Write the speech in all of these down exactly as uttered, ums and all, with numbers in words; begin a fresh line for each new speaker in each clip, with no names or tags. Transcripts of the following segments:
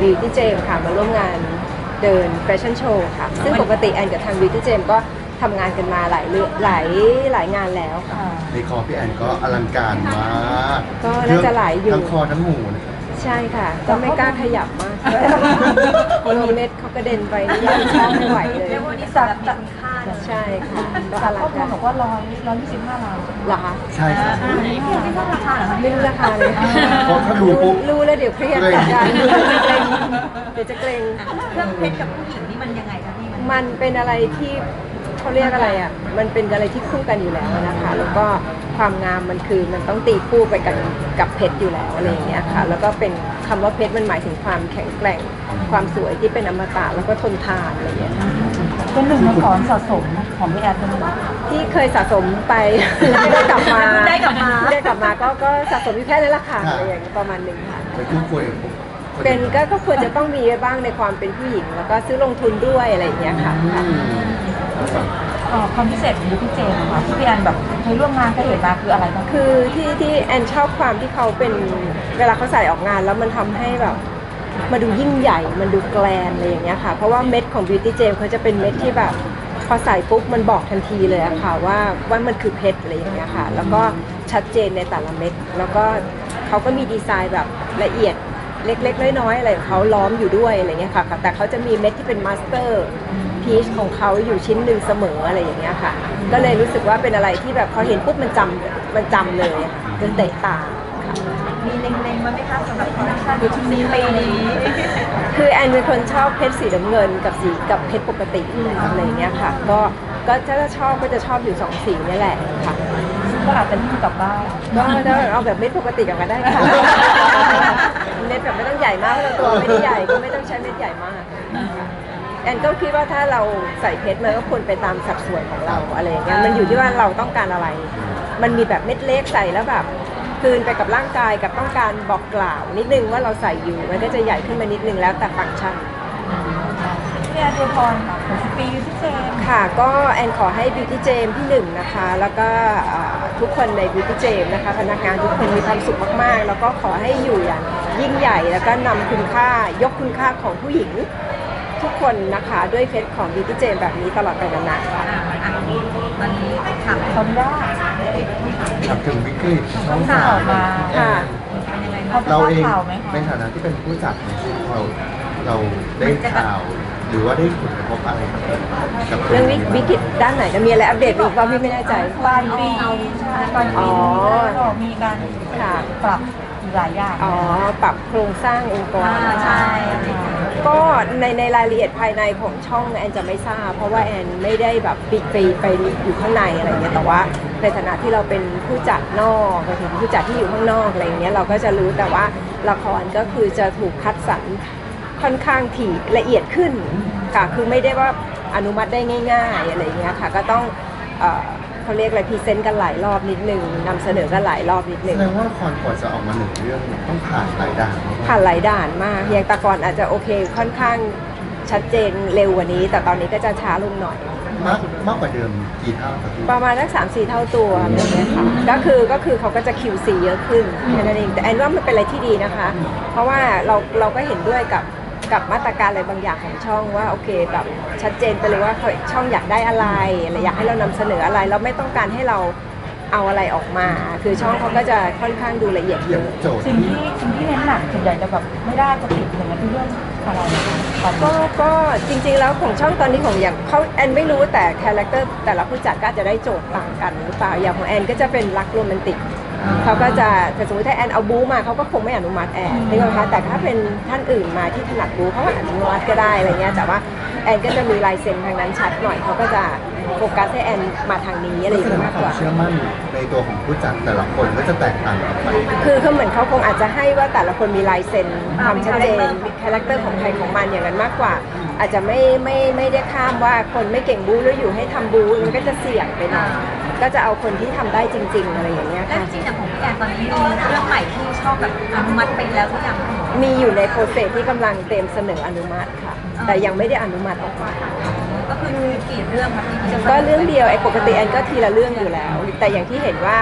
Beauty Jam ค่ะมาร่วมงานเดินแฟชั่นโชว์ค่ะซึ่งปกติแอนกับทาง Beauty Jam ก็ทำงานกันมาหลายเรื่องหลายหลายงานแล้วค่ะ
ในคอพี่แอนก็อลังการมาก
ก็น่าจะหลายอยู่
ทั้งคอทั้งหูนะครับ
ใช่ค่ะก็ไม่กล้าขยับมากโลเม็ดเขากระเด็นไปนี่ยังชอบไม่ไหวเลย
เรียกว่านี่สัตว์มีคุณค่า
ใช่ค่ะก็อลัง
ข้อมู
กา
ล
ร
บอกว่าร้อยร้อยยี่สิบห้าล้าน
เหรอคะ
ใช่ครับ
ไม่ทราบราคาเหรอคะ
ไม่รู้ราคาเลย
เพราะถ้ารู้ปุ๊บ
รู้แล้วเดี๋ยวเครียดจัดการเดี๋ยวจะเกรงเดี๋ยวจะเกรง
เครื่องเพชรกับผู้หญิงนี่มันยังไงคะพี่มัน
มันเป็นอะไรที่เขาเรียกอะไรอ่ะมันเป็นอะไรที่คู่กันอยู่แล้วนะคะแล้วก็ความงามมันคือมันต้องตีคู่ไปกับกับเพชรอยู่แล้วอะไรอย่างเงี้ยค่ะแล้วก็เป็นคำว่าเพชรมันหมายถึงความแข็งแกร่งความสวยที่เป็นอมตะแล้วก็ทนทานอะไรอย่างเงี้ย
เป็นหนึ่งในของสะสมของพี่แอนเป็นไหม
ที่เคยสะสมไปไม่ได้กลับมา
ได้กลับมา
ได้กลับมาก็ก็สะสมอยู่แค่นั้นแหละค่ะอะไรอย่างเงี้ยประมาณหนึ่งค่ะ
เป็นคู่ควร
เป็นก็ก็ควรจะต้องมีบ้างในความเป็นผู้หญิงแล้วก็ซื้อลงทุนด้วยอะไรอย่างเงี้ยค่ะ
ความพิเศษของพี่เจมส์ค่ะที่พี่แอนแบบเคยร่วมงานเคยเห็นมาคืออะไรบ้าง
คือที่ที่แอนชอบความที่เขาเป็นเวลาเขาใส่ออกงานแล้วมันทำให้แบบมาดูยิ่งใหญ่มันดูแกลนอะไรอย่างเงี้ยค่ะเพราะว่าเม็ดของ Beauty Gem เขาจะเป็นเม็ดที่แบบพอใส่ปุ๊บมันบอกทันทีเลยอะค่ะว่าว่ามันคือเพชรอะไรอย่างเงี้ยค่ะแล้วก็ชัดเจนในแต่ละเม็ดแล้วก็เขาก็มีดีไซน์แบบละเอียดเล็กๆน้อยๆอะไรของเขาล้อมอยู่ด้วยอะไรเงี้ยค่ะแต่เขาจะมีเม็ดที่เป็นมาสเตอร์พีชของเขาอยู่ชิ้นหนึ่งเสมออะไรอย่างเงี้ยค่ะก็เลยรู้สึกว่าเป็นอะไรที่แบบพอเห็นปุ๊บมันจำมันจำเลยจนเตะตาค่ะ
มีเล็งๆไว้ไหมคะสำหรับคอลเลคชันในชุดนี้ปีนี้
คือแอนเป็นคนชอบเพชรสีน้ำเงินกับสีกับเพชรปกติอะไรเงี้ยค่ะก็ก็ถ้าชอบก็จะชอบอยู่สองสีนี่แหละค่ะ
ก็อาจจะนิ่งกลับบ้าน
ก็ได้เอาแบบเม็ดปกติกลับมาได้ค่ะเม็ดแบบไม่ต้องใหญ่มากเพราะตัวไม่ได้ใหญ่ก็ไม่ต้องใช้เม็ดใหญ่มากแอนก็คิดว่าถ้าเราใส่เพชรมันก็ควรไปตามสัดส่วนของเราอะไรอย่างเงี้ยมันอยู่ที่ว่าเราต้องการอะไรมันมีแบบเม็ดเล็กใส่แล้วแบบคืนไปกับร่างกายกับต้องการบอกกล่าวนิดนึงว่าเราใส่อยู่มันก็จะใหญ่ขึ้นมานิดนึงแล้วแต่ฟังก์ชัน
พี่แอนเดพรค่ะของปีพี่เจม
ค่ะก็แอนขอให้ Beauty Gem ที่หนึ่งนะคะแล้วก็ทุกคนใน Beauty Gem นะคะพนักงานทุกคนมีความสุขมากๆแล้วก็ขอให้อยู่อย่างยิ่งใหญ่แล้วก็นำคุณค่ายกคุณค่าของผู้หญิงทุกคนนะคะด้วยเพชรของ Beauty Gem แบบนี้ตลอดไปนานๆค่ะ
วันนี้ถามคนว่า
ถามถึงวิกฤตช่อง
สา
สาม
มา
ค่ะ
เราเองในฐานะที่เป็นผู้จัดเราเราได้ข่าวหรือว่าได้ผลกระทบอะไรกับ
เรื่องวิกฤตด้านไหนจะมีอะไรอัปเดตอีกว่าพี่ไม่แน่ใจ
ปลายปีใช่ปลายปีก็มีการปรับหลายอย่าง
อ๋อปรับโครงสร้างองค์กร
ใช่
ก็ในในรายละเอียดภายในของช่องแอนจะไม่ทราบเพราะว่าแอนไม่ได้แบบปิดไปไปอยู่ข้างในอะไรเงี้ยแต่ว่าในฐานะที่เราเป็นผู้จัดนอกไปถึงผู้จัดที่อยู่ข้างนอกอะไรเงี้ยเราก็จะรู้แต่ว่าละครก็คือจะถูกคัดสรรค่อนข้างถี่ละเอียดขึ้นค่ะคือไม่ได้ว่าอนุมัติได้ง่ายๆอะไรเงี้ยค่ะก็ต้องเขาเรียกอะไรพรีเซนต์กันหลายรอบนิดนึงนำเสนอกันหลายรอบนิดนึง
แสดงว่าละครก่อนจะออกมาหนึ่งเรื่องต้องผ่านหลายด่าน
ผ่านหลายด่านมากอย่างแต่ก่อนอาจจะโอเคค่อนข้างชัดเจนเร็วกว่านี้แต่ตอนนี้ก็จะช้าลงหน่อย
มากมากกว่าเดิมกี่เท่าครับ
ประมาณสักสามสี่เท่าตัวแบบนี้ค่ะก็คือก็คือเขาก็จะ คิว ซี เยอะขึ้นแค่นั้นเองแต่แอนว่ามันเป็นอะไรที่ดีนะคะเพราะว่าเราเราก็เห็นด้วยกับกับมาตรการอะไรบางอย่างของช่องว่าโอเคแบบชัดเจนไปเลยว่าช่องอยากได้อะไรอะไรอยากให้เรานำเสนออะไรแล้วไม่ต้องการให้เราเอาอะไรออกมาคือช่องเขาก็จะค่อนข้างดูละเอียดเยอะ
สิ่งที่สิ่งที่เน้นหนักส่วนใหญ่จะแบบไม่ได้จะติดอย่างนั้นเรื่องอะไร
ก็ก็จริงๆแล้วของช่องตอนนี้ของอย่างเขาแอนไม่รู้แต่คาแรคเตอร์แต่ละผู้จัดก็จะได้โจทย์ต่างกันหรือเปล่าอย่างของแอนก็จะเป็นรักโรแมนติกเขาก็จะแต่สมมติถ้าแอนเอาบู๊มาเขาก็คงไม่อนุมัติแอนนี่นะคะแต่ถ้าเป็นท่านอื่นมาที่ถนัดบู๊เขาก็อนุมัติก็ได้อะไรเงี้ยแต่ว่าแอนก็จะมีลายเซ็นทางนั้นชัดหน่อยเขาก็จะโฟกัสให้แอนมาทางนี้อะไรอย่างเงี้ยมากกว่า
เชื่อมั่นในตัวของผู้จัดแต่ละคนก็จะแตกต่างกันไป
คือเขาเหมือนเขาคงอาจจะให้ว่าแต่ละคนมีลายเซ็นความชัดเจนมีคาแรคเตอร์ของใครของมันอย่างนั้นมากกว่าอาจจะไม่ไม่ไม่ได้ข้ามว่าคนไม่เก่งบู๊แล้วอยู่ให้ทำบู๊มันก็จะเสี่ยงไปหน่อยก็จะเอาคนที่ทำได้จริงๆอะไรอย่างเงี้ย
ค่ะจริงๆแต่ของพี่แอนตอนนี้มีเรื่องใหม่ที่ชอบแบบอนุมัติไปแล้วทุกอย่าง
มีอยู่ในโปรเซสที่กำลังเตรียมเสนออนุมัติค่ะแต่ยังไม่ได้อนุมัติออกมา
ก็คือกี่เรื่องคะที่จะ
ก็เรื่องเดียวไอ้ปกติแอนก็ทีละเรื่องอยู่แล้วแต่อย่างที่เห็นว่า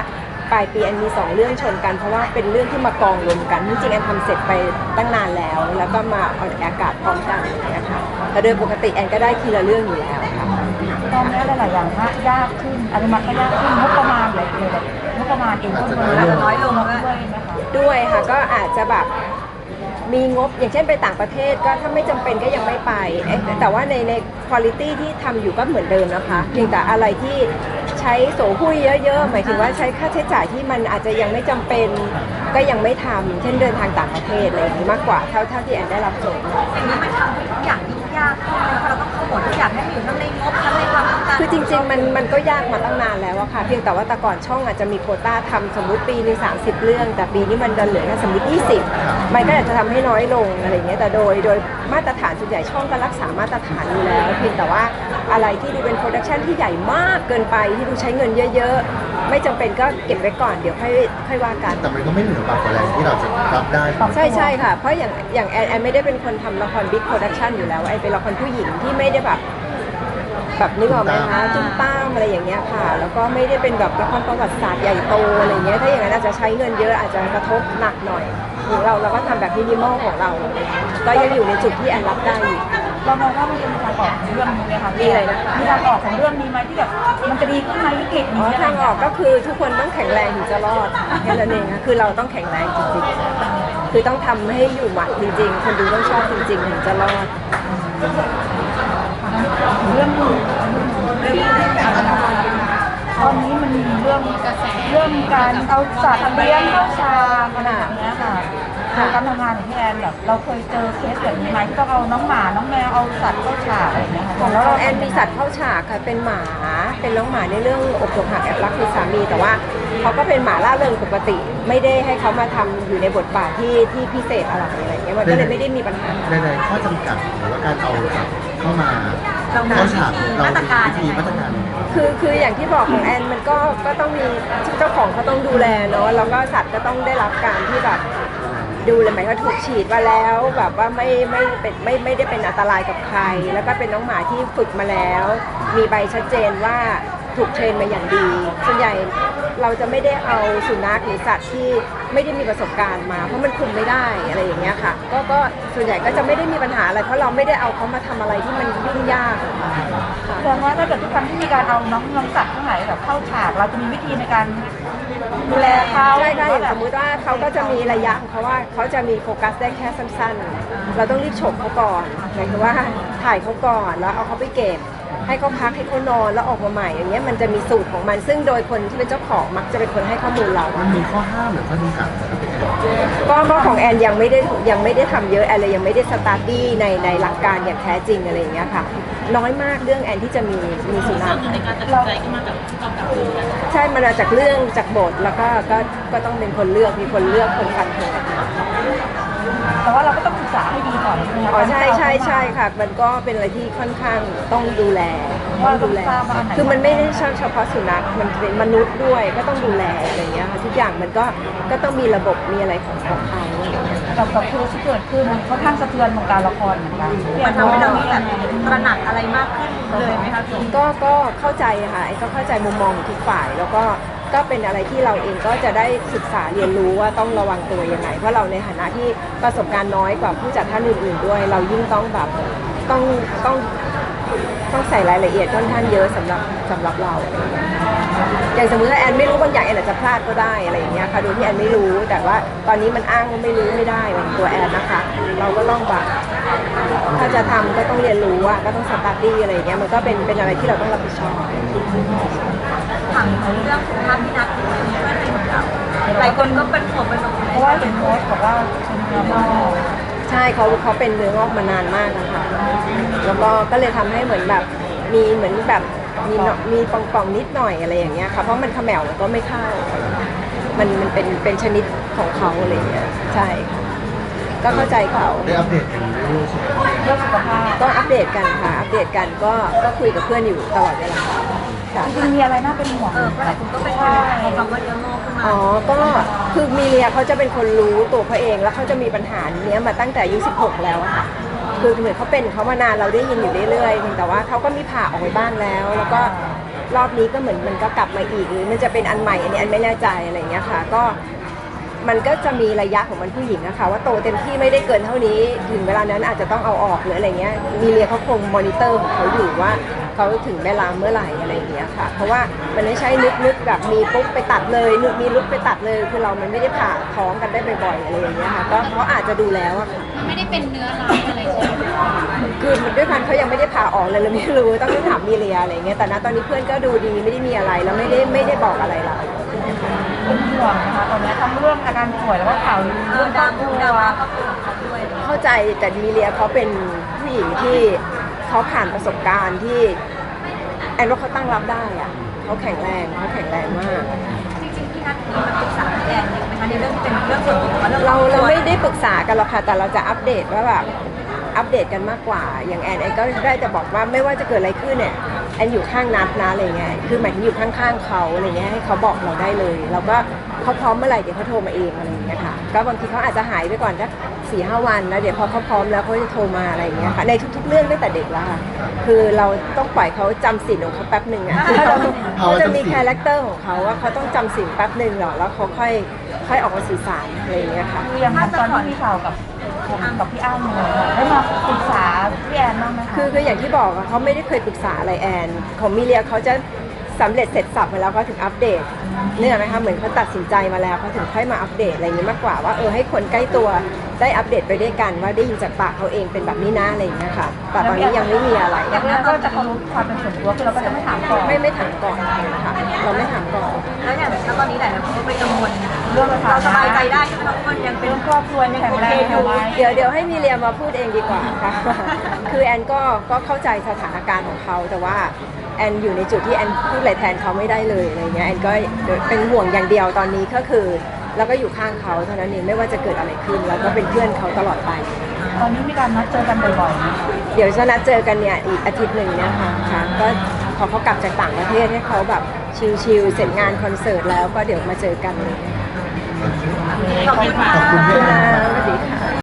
ปลายปีแอนมีสองเรื่องชนกันเพราะว่าเป็นเรื่องที่มากองรวมกันจริงๆแอนทำเสร็จไปตั้งนานแล้วแล้วก็มาออกอากาศพร้อมกันอย่างเงี้ยค่ะแต่โดยปกติแอนก็ได้ทีละเรื่องอยู่แล้วค่ะ
ตอนนี้หลายๆอย่างยากขึ้นอนุมัติก็ยากขึ้นงบประมาณเลยเลยแบบงบประมาณเองก็น้อยลงด้วยไหมคะ
ด้วยค่ะก็อาจจะแบบมีงบอย่างเช่นไปต่างประเทศก็ถ้าไม่จำเป็นก็ยังไม่ไปเอ๊ะแต่ว่าในในคุณภาพที่ทำอยู่ก็เหมือนเดิมนะคะเพียงแต่อะไรที่ใช้โสหุ้ยเยอะๆหมายถึงว่าใช้ค่าใช้จ่ายที่มันอาจจะยังไม่จำเป็นก็ยังไม่ทำเช่นเดินทางต่างประเทศอะไรอย่างนี้มากกว่าเท่าเท่าที่แอนได้รับโจทย์
อย่างนี้มันทำให้ทุกอย่างยุ่งยากขึ้นเลยเพราะเราต้องขมวดทุกอย่างให้มันอยู่ทั้งในงบทั้งในความต้องการ
คือจริงๆมันมันก็ยากมาตั้งนานแล้วอะค่ะเพียงแต่ว่าแต่ก่อนช่องอาจจะมีโควต้าทำสมมุติปีหนึงสามสิบเรื่องแต่ปีนี้มันดันเหลือแค่สมมติยี่สิบมันก็อาจจะทำให้น้อยลงอะไรอย่างเงี้ยแต่โดยโดยมาตรฐานส่วนใหญ่ช่องก็รักษามาตรฐานอยู่แล้วเพียงแต่ว่าอะไรที่ดูเป็นโปรดักชันที่ใหญ่มากเกินไปที่ดูใช้เงินเยอะๆไม่จำเป็นก็เก็บไว้ก่อนเดี๋ยวค่อยค่อยว่ากัน
แต่มันก็ไม่เหนือบากกว่าแรงที่เราจะรับได้
ใช่ใช่ค่ะเพราะอย่างอย่างแอนแอนไม่ได้เป็นคนทำละครบิ๊กโปรดักชันอยู่แล้วแอนเป็นละครผู้หญิงที่ไม่ได้แบบแบบนึกออกไหมคะจุ้มต้ามอะไรอย่างเงี้ยค่ะแล้วก็ไม่ได้เป็นแบบละครประวัติศาสตร์ใหญ่โตอะไรเงี้ยถ้าอย่างนั้นอาจจะใช้เงินเยอะอาจจะกระทบหนักหน่อยของเราเราก็ทำแบบมินิมอลของเรา ก็ยังอยู่ในจุดที่แอนรับได้อยู่
เรามองว่ามันจะมีทางออกของเรื่องนี้ไหมคะ
มีอะไรนะคะ
มีทางออกของเรื่องนี้ไหมที่แบบมันจะดีขึ้นไหมวิกฤต
อ๋
นี้
อทางออกก็คือทุกคนต้องแข็งแรงถึงจะรอดแค่นั้นเองค่ะคือเราต้องแข็งแรงจริงๆคือต้องทำให้อยู่หมัดจริงๆคนดูต้องชอบจริงๆถึงจะรอด
เรื่องนี้เรื่องนี้ตอนนี้มันมีเรื่องเรื่องการเอาสัตว์เลี้ยงเข้าชามอะไรแบบเนี้ยค่ะในการทำงานของพี่แอนแบบเราเคยเจอเคสแบบนี้ไหมที่ต้องเอาน้องหมาน้องแมวเอาสัตว์เข้าฉากอะไรอย่างเงี้ยค่ะ
ของเราแอนมีสัตว์เข้าฉากค่ะเป็นหมาเป็นน้องหมาในเรื่องอกหักหักแอบรักคือสามีแต่ว่าเขาก็เป็นหมาล่าเริงปกติ ไม่ได้ให้เขามาทำอยู่ในบทบาทที่ที่พิเศษอะไรอะไรอย่างเงี้ยมันก็เลยไม่ได้มีปัญหา
ในๆข้อจำกัดหรือว่าการเอาสัตว์เข้ามาเข้าฉากเราวิธีมาตรการยังไง
คือคืออย่างที่บอกของแอนมันก็ก็ต้องมีเจ้าของเขาต้องดูแลเนาะแล้วก็สัตว์ก็ต้องได้รับการที่แบบดูเลยหมายว่าถูกฉีดมาแล้วแบบว่าไม่ไม่เป็นไม่ไม่ได้เป็นอันตรายกับใคร แล้วก็เป็นน้องหมาที่ฝึกมาแล้ว มีใบชัดเจนว่าถูกเทรนมาอย่างดีส่วนใหญ่เราจะไม่ได้เอาสุนัขหรือสัตว์ที่ไม่ได้มีประสบการณ์มาเพราะมันคุมไม่ได้อะไรอย่างเงี้ยค่ะก็ก็ส่วนใหญ่ก็จะไม่ได้มีปัญหาอะไรเพราะเราไม่ได้เอาเขามาทำอะไรที่มันยุ่งยากค่ะ
แสดงว่าถ้าเกิดทุกครั้งที่มีการเอาน้องน้องสัตว์ทั้งหลายแบบเข้าฉากเราจะมีวิธีในการดูแลเขา
ใช่ค่ะ
ห
อ
รื
ย่าง
แบบ
สมมุติว่าเขาก็จะมีระยะของเขาว่าเขาจะมีโฟกัสได้แค่สั้นๆ เราต้องรีบฉกเขาก่อนหมายถึงว่าถ่ายเขาก่อนแล้วเอาเขาไปเก็บให้เขาพักให้เขานอนแล้วออกมาใหม่อย่างเงี้ยมันจะมีสูตรของมันซึ่งโดยคนที่เป็นเจ้าของมักจะเป็นคนให้ข้อมูลเรา
มันมีข้อห้ามหรือข้อจำกัดนะครับพี่แอน
ก็ก็ของแอนยังไม่ได้ยังไม่ได้ทำเยอะแอนเลยยังไม่ได้สตาร์ดี้ในในหลักการอย่างแท้จริงอะไรอย่างเงี้ยค่ะน้อยมากเรื่องแอนที่จะมีมีสุนัข
ในการตัดสินใจก็มาจากกำกับดูกัน
ใช่มาจากเรื่องจากบทแล้วก็ก็ก็ต้องเป็นคนเลือกมีคนเลือกคนฟันธง
แต่ว่าเราก็ต้องศึกษาให้ดีก่อนใช่ไหมคะ
อ๋อใช่ใช่ใช่ค่ะ มันก็เป็นอะไรที่ค่อนข้างต้องดูแลต้องดูแลคือมันไม่ได้เฉพาะสุนัขมันเป็นมนุษย์ด้วยก็ต้องดูแลอะไรอย่างเงี้ยค่ะทุกอย่างมันก็ก็ต้องมีระบบมีอะไรของของเขาอะไรอย่างเงี้ย
กับกับเคสที่เกิดขึ้นมันค่อนข้างสะเทือนวงการละครเหมือนกัน
มันทำให้เรามีแบบตระหนักอะไรมากขึ้นเลยไหมคะพี่
ก็ก็เข้าใจค่ะไอ้ก็เข้าใจมุมมองของทุกฝ่ายแล้วก็ก็เป็นอะไรที่เราเองก็จะได้ศึกษาเรียนรู้ว่าต้องระวังตัวยังไงเพราะเราในฐานะที่ประสบการณ์น้อยกว่าผู้จัดท่านอื่นๆด้วย เรายิ่งต้องแบบต้องต้องต้องใส่รายละเอียดค่อนข้างเยอะสำหรับสำหรับเราอย่างสมมติว่าแอนไม่รู้บางอย่างแอนอาจจะพลาดก็ได้อะไรอย่างเงี้ยค่ะโดยที่แอนไม่รู้แต่ว่าตอนนี้มันอ้างว่าไม่รู้ไม่ได้เป็นตัวแอนนะคะ เราก็ต้องแบบถ้าจะทำก็ต้องเรียนรู้ว่าก็ต้องสตาร์ดี้อะไรอย่างเงี้ยมันก็เป็นเป็นอะไรที่เราต้องรับผิดชอบ
ถามเรื่องสุขภาพพี่นัทช่วยหน่อยครับหลายคนก็เป็นห่วงเป็นห่วง
เพราะว่าเห็นโพสต์บอกว่าเป็นเนื้องอก
ใช่เขาเขาเป็นเนื้องอกมานานมากนะคะแล้วก็ก็เลยทำให้เหมือนแบบมีเหมือนแบบมีเนาะมีป่องๆนิดหน่อยอะไรอย่างเงี้ยค่ะเพราะมันเขมวมันก็ไม่เข้ามันมันเป็นเป็นชนิดของเขาอะไรอย่างเงี้ยใช่ค่ะก็เข้าใจเขา
ได้อัปเดตกันเรื่อยๆใช่ไหม
เรื่องสุขภาพ
ก็อัปเดตกันค่ะอัปเดตกันก็ก็คุยกับเพื่อนอยู่ตลอดเวลาค่ะ
จริงๆมีอะไรน่าเป็นห่วง
เออเพราะหลายคนก็เป็นห่วงคำว่าเนื้องอกขึ้นมา
อ๋อ ก็คือมีเลียเขาจะเป็นคนรู้ตัวเขาเองแล้วเขาจะมีปัญหาเนี้ยมาตั้งแต่อายุสิบหกแล้วอะค่ะ คือเหมือนเขาเป็นเขามานานเราได้ยินอยู่เรื่อยๆเพียงแต่ว่าเขาก็มีผ่าออกไปบ้างแล้ว แล้วก็รอบนี้ก็เหมือนมันก็กลับมาอีกหรือมันจะเป็นอันใหม่อันนี้อันไม่แน่ใจอะไรอย่างเงี้ยค่ะก็มันก็จะมีระยะของมันผู้หญิงอะค่ะว่าโตเต็มที่ไม่ได้เกินเท่านี้ถึงเวลานั้นอาจจะต้องเอาออกหรืออะไรเงี้ยมีเรียเขาคงมอนิเตอร์ของเขาอยู่ว่าเขาถึงเวลาเมื่อไหร่อะไรอย่างเงี้ยค่ะเพราะว่ามันไม่ใช่นึกนึกแบบมีปุ๊บไปตัดเลยนึกมีลุกไปตัดเลยคือเรามันไม่ได้ผ่าท้องกันได้บ่อยๆอะไรอย่างเงี้ยค่ะก็เขาอาจจะดูแล้วอะค่ะ
ไม่ได้เป็นเนื้อร้ายอะไรใช่ไหม
คือด้วยพันเขายังไม่ได้ผ่าออกเลยเราไม่รู้ต้องไปถามมีเรียอะไรเงี้ยแต่ณตอนนี้เพื่อนก็ดูดีไม่ได้มีอะไรแล้วไม่ได้ไม่ได้บอกอะไรเรา
เป็นห่วงนะคะตอนนี้ทั้งเรื่องอาการป่วยแล้วก็ข่าวลือ
เอ
เรื่
อ
องคร
ดา
อบครั
ดราม่าว ก็เป็นของเขาด้วย
เข้าใจแต่มีเรียเขาเป็นผู้หญิงที่เขาผ่านประสบการณ์ที่แอนว่าเขาตั้งรับได้อะเขาแข็งแรงเขาแข็งแรงมาก
จริงๆพี่นัทมีมาปรึกษาแอนอยู่ไหมคะในเรื่องที่เป็นเรื่องส่วนตัวเรื่อง
เราเราไม่ได้ปรึกษากันหรอกค่ะแต่เราจะอัปเดตว่าแบบอัปเดตกันมากกว่าอย่างแอนแอนก็ได้จะบอกว่าไม่ว่าจะเกิดอะไรขึ้นเนี่ยแอนอยู่ข้างนัดนะอะไรเงี้ยคือหมายถึงอยู่ข้างๆเขาอะไรเงี้ยให้เขาบอกเราได้เลยเราก็เขาพร้อมเมื่อไหร่เดี๋ยวเขาโทรมาเองอะไรอย่างเงี้ยค่ะก็บางทีเขาอาจจะหายไปก่อนสักสี่ห้าวันแล้วเดี๋ยวพอเขาพร้อมแล้วเขาจะโทรมาอะไรอย่างเงี้ยค่ะในทุกๆเรื่องตั้งแต่เด็กแล้วค่ะคือเราต้องปล่อยเขาจำสินของเขาแป๊บหนึ่งอ่ะคือเขาเขาจะมีคาแรคเตอร์ของเขาว่าเขาต้องจำสินแป๊บหนึ่งหรอแล้วเขาค่อยค่อยออกมาสื่อสารอะไรอย่างเงี้ยค่ะ
คืออย่างตอนที่มีข่าวกับผมกับพี่อ้ำเนี่ยได้มาปรึกษาพี่แอนบ้างไหมคะ
คือคืออย่างที่บอกอะเขาไม่ได้เคยปรึกษาอะไรแอนของมิเลียเขาจะสำเร็จเสร็จสับมาแล้วเขาถึงอัปเดตเนี่ยไหมคะเหมือนเขาตัดสินใจมาแล้วเขาถึงค่อยมาอัปเดตอะไรอย่างนี้มากกว่าว่าเออให้คนใกล้ตัวได้อัปเดตไปด้วยกันว่าได้ยินจากปากเขาเองเป็นแบบนี้นะอะไรอย่างเงี้ยค่ะแต่ตอนนี้ยังไม่มีอะไร
อย่างนั้นก็จะเคารพความเป็นส่วนตัวคือเราก็จะไม่ถามก่อน
ไม่ไม่ถามก่อนค่ะเราไม่ถามก่อน
แล้วอย่างแล้วตอนนี้หลายๆคนก็ไปกังวล
เรื่อง
เราสบายใจได้ใช่ไหมคะว่ามันยังเป็น
เรื่องครอบครัวยังแข็งแรงอยู่ไหม
เดี๋ยวเดี๋ยวให้มิเลียมาพูดเองดีกว่าค่ะ คือแอนก็ก็เข้าใจสถานการณ์ของเขาแต่ว่าแอนอยู่ในจุดที่แอนพูดอะไรแทนเขาไม่ได้เลยอะไรเงี้ยแอนก็เป็นห่วงอย่างเดียวตอนนี้ก็คือแล้วก็อยู่ข้างเขาเท่านั้นเองไม่ว่าจะเกิดอะไรขึ้นแล้วก็เป็นเพื่อนเขาตลอดไป
ตอนนี้มีการนัดเจอกันบ่อยๆนะคะ
เดี๋ยวจะนัดเจอกันเนี่ยอีกอาทิตย์หนึ่งเนี่ยค่ะค่ะก็พอเขากลับจากต่างประเทศให้เขาแบบชิลๆเสร็จงานคอนเสิร์ตแล้วก็เดี๋ยวมาเจอกันเลย
ขอบคุณค่ะ
ขอบคุณ
ขอบ
พี่
คุณ
แอ
นะ
น
สวัสดีค่ะ